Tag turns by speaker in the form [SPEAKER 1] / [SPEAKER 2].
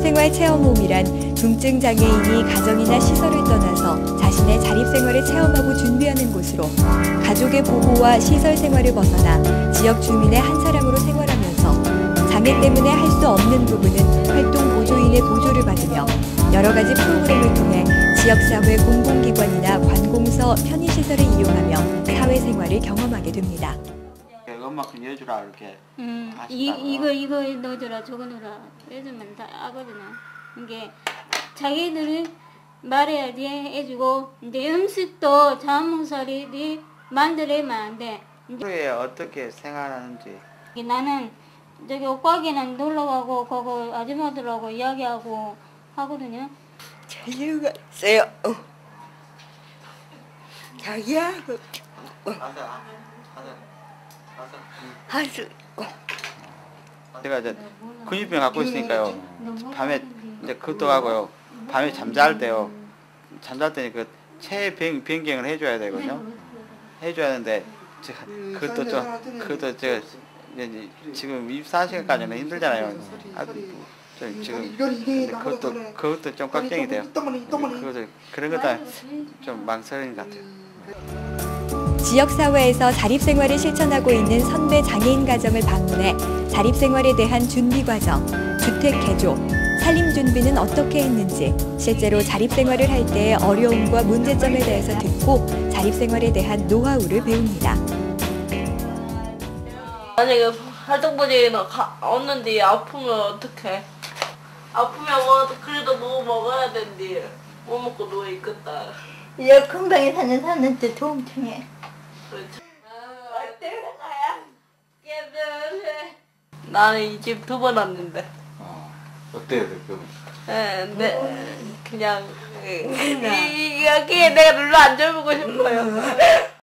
[SPEAKER 1] 사회생활 체험홈이란 중증 장애인이 가정이나 시설을 떠나서 자신의 자립생활을 체험하고 준비하는 곳으로 가족의 보호와 시설 생활을 벗어나 지역 주민의 한 사람으로 생활하면서 장애 때문에 할 수 없는 부분은 활동 보조인의 보조를 받으며 여러 가지 프로그램을 통해 지역사회 공공기관이나 관공서 편의시설을 이용하며 사회생활을 경험하게 됩니다.
[SPEAKER 2] 이것만큼 여주라 이렇게
[SPEAKER 3] 이거 넣어줘라 저거 넣어라 해주면 다 하거든요. 이게 자기들이 말해야지 해주고 이제 음식도 자몽사리들이 만들어야만 안 돼.
[SPEAKER 2] 하루에 어떻게 생활하는지.
[SPEAKER 3] 나는 저기 옷가게는 놀러가고 거기 아줌마들하고 이야기하고 하거든요.
[SPEAKER 4] 자유가 있어요. 자기하고 할 수 있고.
[SPEAKER 2] 제가 이제 근육병 갖고 있으니까요. 밤에 이제 그것도 하고요. 밤에 잠잘 때요. 잠잘 때는 그 체해 변경을 해줘야 되거든요. 해줘야 하는데 제가 그것도 제가 이제 지금 24시간까지는 힘들잖아요. 지금 그것도 좀 걱정이 돼요. 그런 것도 좀 망설이는 것 같아요.
[SPEAKER 1] 지역사회에서 자립생활을 실천하고 있는 선배 장애인 가정을 방문해 자립생활에 대한 준비 과정, 주택 개조, 살림 준비는 어떻게 했는지, 실제로 자립생활을 할 때의 어려움과 문제점에 대해서 듣고 자립생활에 대한 노하우를 배웁니다.
[SPEAKER 5] 만약에 활동보지는 없는데 아프면 어떡해? 아프면 뭐 그래도 뭐 먹어야 된디. 뭐 먹고 누워 있겠다.
[SPEAKER 4] 이제 금방에 사는 사람한테 도움 청해.
[SPEAKER 5] 그렇죠. 어때 거야? 나는 이 집 2번 왔는데.
[SPEAKER 2] 어때요, 그?
[SPEAKER 5] 네, 그냥 이게 내가 눌러 앉아보고 싶어요.